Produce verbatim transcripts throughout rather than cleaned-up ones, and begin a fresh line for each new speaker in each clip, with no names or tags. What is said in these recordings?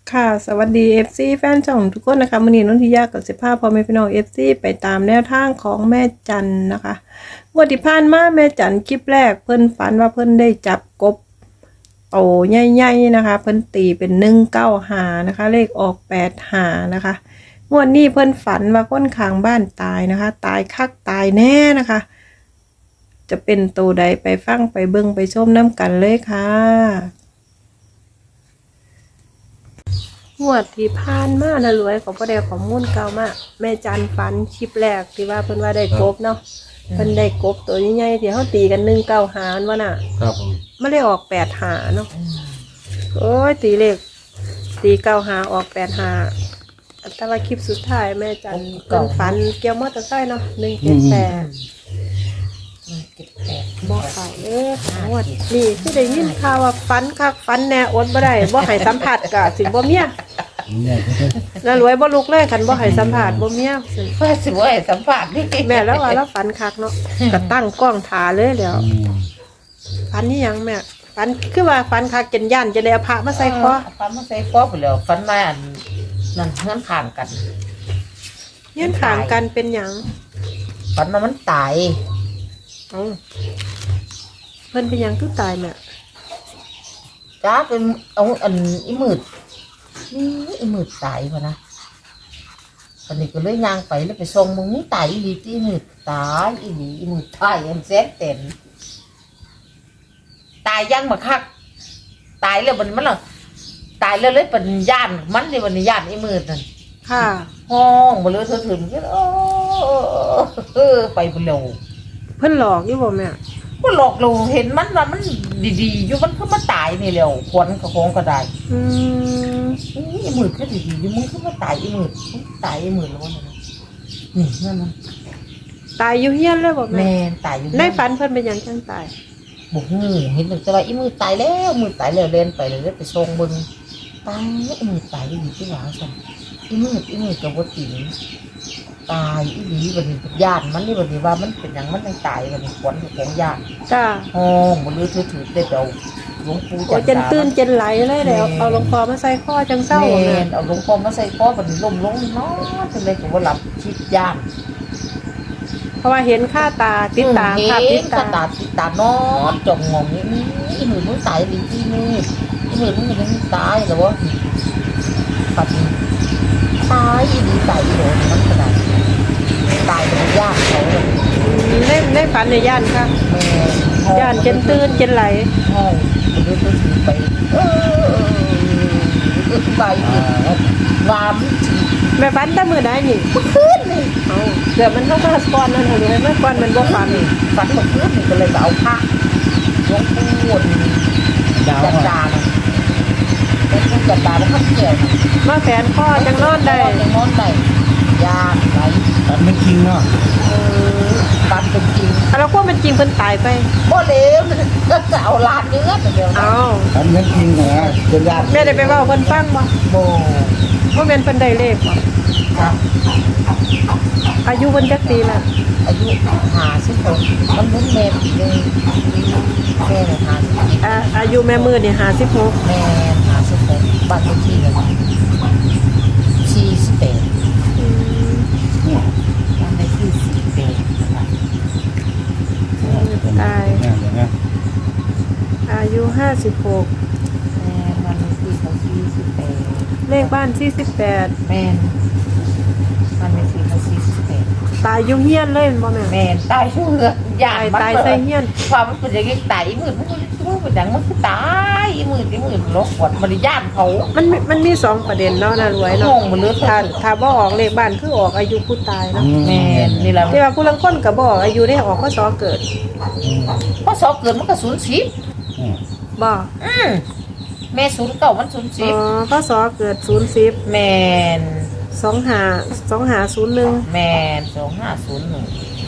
ค่ะสวัสดี เอฟ ซี แฟนช่องทุกคนนะคะมื้อนี้นนทิยากับสิบห้าพ่อแม่พี่น้อง เอฟ ซี ไปตามแนวทางของแม่จันนะคะงวดที่ผ่านมาแม่จันคลิปแรกเพิ่นฝันว่าเพิ่นได้จับกบโอ้ใหญ่ๆนะคะเพิ่นตีเป็นหนึ่งเก้าห้านะคะเลขออกแปดห้านะคะงวดนี้เพิ่นฝันว่าคนข้างบ้านตายนะคะตายคักตายแน่นะคะจะเป็นตัวใดไปฟังไปเบิ่งไปชมน้ำกันเลยค่ะงวดที่ผ่านมานะรวยของพ่อแดงของมุ่นเก่ามากแม่จันฝันชิปแรกที่ว่าเพิ่นว่าได้กบเนาะเพิ่นได้กบตัวใหญ่ๆที่เขาตีกันหนึ่งเก้าหารว่าน่ะ
ครับผม
ไม่ได้ออกแปดหาเนาะโอ้ยตีเลขตีเก้าหาออกแปดหาแต่ว่าคลิปสุดท้ายแม่จันเพิ่นฝันเกี่ยวมอเตอร์ไซค์เนาะหนึ่งเจ็ดแปดบอกเขาเออหาวดนี่ที่ได้ยินข่าวว่าฝันคักฝันแน่อดบ่ได้บ่ให้สัมผัสกะสิบ่เมียแล้วรวยบ่ลุกเลยคันบ่ให้สัมผัสบ่เมียสิ
เพื่อสิบ่ให้สัมผัสนี่
แม่แล้วว่าแล้วฝันคักเนาะก็ตั้งกล้องถ่าเลยแล้วฝันนี่หยังแม่ฝันคือว่าฝันคักจนย่านจะได้เอาพระมาใส่คอ
ฟันมาใส่คอไปแล้วฟันมาอันนั่นเฮือนข้างกัน
เฮียนข้างกันเป็นหยัง
ฟันมามันตาย
เอ้าเพิ่นเป็นหยังคือตายแม่
จ้าเป็นเอาอันอีมืดนี่อีมืดตายพะนะตอนนี้ก็เลยย่างไปแล้วไปส่งมึงนี่ตายอีหลีที่มืดตายอีหลีอีมืดตายอันแซ่บเต็มตายยังมาคักตายแล้วมันมันหรอตายแล้วเลยเป็นย่านมันในวันนี้ย่านอีมืดนั่น
ค่ะ
ห้องมาเลยเธอถึงก็โอ้ไปบุโร
เพิ่นหลอกอยู่บ่แม่
ก็หลอกเราเห็นมันว่ามันดีๆอยู่มันก็มาตายนี่แล้วควันกระโงก็ได้
อืม
อีมืดก็ดีๆอยู่มึงก็มาตายอีมืดตายอีมืดแล้ววะนี่นั่นมัน
ตายอยู่เฮียนเลยบ่แม่
แม่ตายอยู่
ในฝันเพิ่นเป็นหยังจังตาย
บุกงูเห็นแต่ว่าอีมืดตายแล้วมืดตายแล้วเล่นไปเลยไปส่งบึงตายอีมืดตายอยู่ที่หลังฉันอีมืดอีมืดกับวัดติ๋งตายอีหลีบันนี้ญาติมันนี่บันนี้ว่ามันเป็นอย่างมันไม่ตายบันนี้ขวัญของญาติ
จ้า
ห้องมันเลยถือถือได้เดาหลวงปู่
โอ้จนตื่นจนไหลเลยแล้วเอาหลวงพ่อมาใส่ข้อจังเศร้า
แม่
แม่
เอาหลวงพ่อมาใส่คอบันนี้ล้มลงนอนจนเลยผมว่าหลับชิดญาติ
เพราะว่าเห็นค่าตาติดตาภาพติด
ตา
ตา
ตาติดตานอนจงงงนี่อีหมื่นมึงตายหรือที่นี่อีหมื่นมึงยังตายหรือวะปัดตายอีดีตายอีโดนมันขนาดตายเป็นญาติเขาเลย
เล่นในฝันในย่านค่ะ
แม่
ย่านจนตื่นจนไหล
ห้องมันเลยต้องถือไปเออไปวาม
แม่ฝันแต่มื้อใดนี่
ขึ้นนี่
เอาเดี๋ยวมันเข้ามาก่อนนั่นเหรอเลยมาก่อนมันบ่ฝัน
ฝันหมดขึ้นนี่ก็เลยเอาผ้าหลวงปู่จันดาเนี่ยเป็นผู้จันดาเป็นข้าวเกี่ยว
มาแฝนข้อจังนอนได้
ยังนอนได้ยากไร
ตัดไม่จริงเนาะ
เออ
ปันเป็นจริง
แล้วก็มันจริงเพิ่นตายไป
บ่เลวก็จะเอาลานเนื้อแต่เดียว
เอา
ตัดไม่จริงนะเป็นญาติ
แม่ได้ไปเว้าเพิ่นฟังบ่
โบ
ว่าแม่นเพิ่นได้เลขบ่
ครับ
อายุเพิ่นจักปีแล้ว
อายุหาสิบหกมันรุ่นเมมเลยแม่หาสิบ
อ่าอายุแม่มือนี่ห้าสิบหก
แม่หาสิบหกบ้านเลขที่เลยสี่สิบแปดบ้านเลขที่สี่สิบแปด
ตาย
เนี่ยเดี๋ยวนะ
อายุห้าสิบหก
แม่บ้านเลขที่เขาสี่สิบแปด
เลขบ้านสี่สิบแปด
แม่บ้านเลขที่เขาสี่สิบแปด
ตายอยู่เฮียนเลยบ่แม่
แม่ตายชั่วเหือกยา
ตาย
มัน
ตายใส่เฮียน
ความมันเป็นอย่างนี้ตายอีมืดมันมันเป็นอย่างมันคือตายอีมืดอีมืดโลกวัดมันย่านเขา
มันมีมันมีสองประเด็นเนาะน่ารวย
ง
เนาะ
งมันเลือด
ถ้าถ้าบ่ออกเลขบ้านคือออกอายุผู้ตายเนาะ
แม่นี่แหละ
ที่ว่าผู้ลางคนก็บ่ออกอายุได้ออกพศเกิด
พอสอบเกิดมันก็ศูนย์สิบ
บ่
อืมแม่ศูนย์เก่ามันศูนย์สิ
อ๋
บ
อพศเกิดศูนย์สิบ
แม่น
สองห้าสองห้าศูนย์หนึ่ง
แม่นสองห้าศูนย์หนึ่ง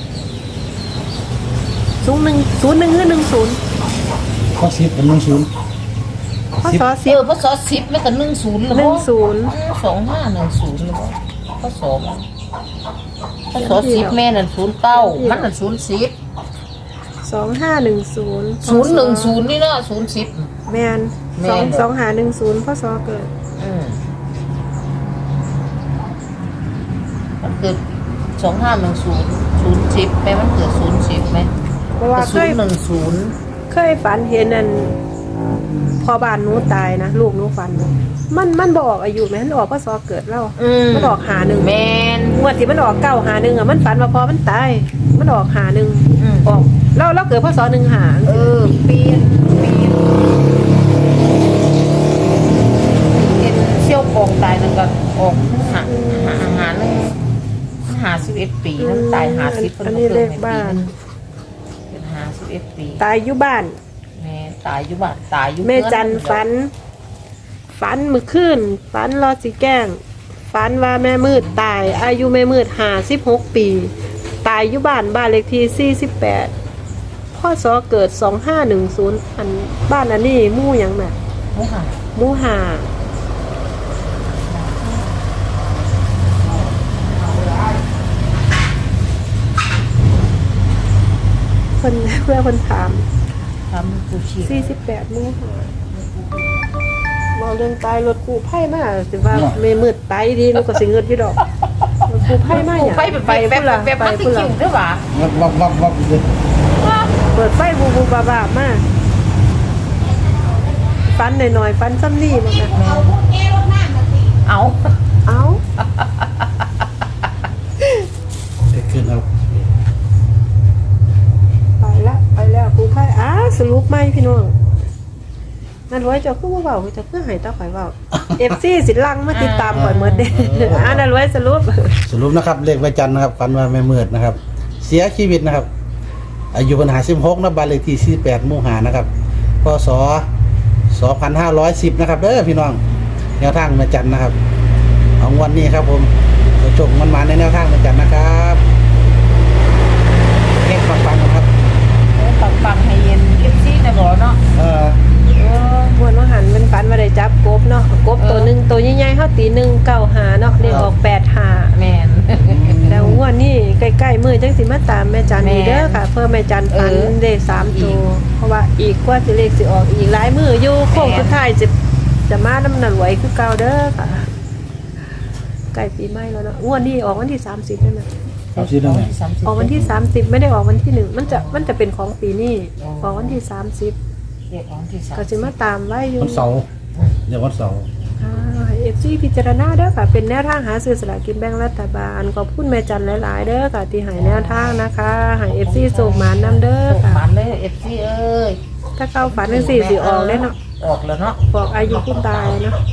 ศูนย์หนึ่งศูนย์หนึ่งหรือหนึ่งศูนย์
ข้อสิบกับหนึ่งศูนย์
พศ
เอ
สิบ
อพอสอบสิบไม่ก็หนึ่งศูนย์หรือ
หนึ่งศูนย์
สองห้าหนึ่งศูนย์หรือเปล่าพอสอบพอสอบสิบแม่นั่นศูนย์เก้ามันนั่นศูนย์สิบ
สองห้าหนึ่งศูนย์
ศูนย์หนึ่งศูนย์นี่เนาะศูนย์สิบ
แมน
แม่
สอง
น
สองห้าหนึ่งศูนย์พศเกิด
อืมมันเกิดสองห้าหนึ่งศูนย์ศูนย์สิบไหมมันเกิดศูนย์สิบไหม
เพราะว่าเค
ศูน
ย
ย์หนึ่งศูนย์
เคยฝันเห็นนั่นพอบ้านหนูตายนะลูกหนูฝัน มันมันบอกอายุแม่นออกพศเกิดแล้วมันออกหาหนึ่ง
แมน
งวดที่มันออกเก้าหาหนึ่งอ่ะมันฝันว่าพอมันตายมันออกหาหนึ่ง
อืม
ออกเราเราเกิดพศหนึ่งหา
เออปีนปีนเอ็นเชี่ยวกองตายนั่นก็ออกหาหาหาหนึ่งหาสิบเอ็ดปีนั่นตายหาสิบ
อันนี้เลขบ้าน
เป็นหาสิบเอ็ดปี
ตายอยู่บ้าน
แม่ตายอยู่บ้านตายอยู่
แม่จันฝัน ฝันมือขึ้นฝันรอสิแกล้งฝันว่าแม่มืดตาย อายุแม่มืดหาสิบหกปี ตายอยู่บ้านบ้านเลขที่สี่สิบแปดพ่อสอเกิดสองห้าหนึ่งศูนย์อันบ้านอันนี้หมู่หยังแม่
โอ้ค่ะ
หมู่หาเพิ่นเพื่อเพิ่นถาม
ทำกูชี
สี่สิบแปดหมู่หาเมาเรื่องตายรถกู้ไผ่มาสิว่าแม่มืดตายดีหนูก็สิเงินพี่ดอกรถกู้ไผ่มาหยัง
ไปแบบไปแบบ
พุ่นล่ะ
แบบ
ไป
มันติ
พุ่น
คิ
ล่ะ
วด้วยวะ
วับวับวับวับเลย
เปิดไฟบูบูบาบามาฟันหน่อยๆฟันซ้ำนี่มันนะ
เอา
เอ้า
เด็กขึ้นครับ
ไปละไปแล้วครูไพ่อ้าสรุปไหมพี่น้องนั่นไว้เจ้าคือว่าเบาเจ้าคือใหายตาข่อยเบาเอฟซีสิลังมาติดตามข่อยเมื่อเด้อ่านั่นไว้สรุป
สรุปนะครับเลขไว้จันทร์นะครับฝันว่าแม่มืดนะครับ เสียชีวิตนะครับ อายุปัญหาสิบหกนะบ้านเลขที่สี่แปดหมู่หานะครับพศสองพันห้าร้อยสิบนะครับเด้อพี่น้องแนวทางแม่จันทร์นะครับเอางวันนี้ครับผมจะจบมันมาในแนวทางแม่จันทร์นะครับเก่งฟังๆนะครับ
ฟังฟังให้เย็นเอฟซีนะบอกเนาะ
เออ
เออ
มวนว่าหันเป็นฟันมาได้จับกบเนาะกบตัวหนึ่งตัวใหญ่ๆเขาตีหนึ่งเก้าหาเนาะเรียกออกแปดหา
แมน
แล้วงวดนี้ใกล้ๆมือจังสิมาตามแม่จันนี่เด้อค่ะ เพิ่มแม่จันฝัน
เออ
ได้สามตัวเพราะว่าอีกกว่าสิเลขสิออกอีกหลายมืออยู่โค้ง
แม่น
สุดท้ายจะจะมาน้ำหนักไหวคือเก่าเด้อค่ะใกล้ปีใหม่แล้วเนาะงวดนี้ออกวันที่สามสิบใช่ไหม
เอาสิได้ไหม
ออกวันที่สามสิบไม่ได้ออกวันที่หนึ่งมันจะมันจะเป็นของปีนี้ออกวันที่สามสิบ
เรียกของที่สาม
ก็จะมาตามไว้อยู่
วันเสาร์เดี๋ยววันเสาร์
เอฟซีพิจารณาเด้อค่ะเป็นแนวทางหาซื้อสลากกินแบ่งรัฐบาลขอบคุณแม่จันหลายๆเด้อค่ะที่ใหายแนวทางนะคะใหายเอฟซีส่งหมานนํเด้อ
ส่ง
ค่ะ
มาเลยเอฟซีเอ้ย
ถ้าเข้าฝันจังสี่สิออกได้เนาะ
ออกแล้วเนาะ
บอกอายุคุณตายเนาะ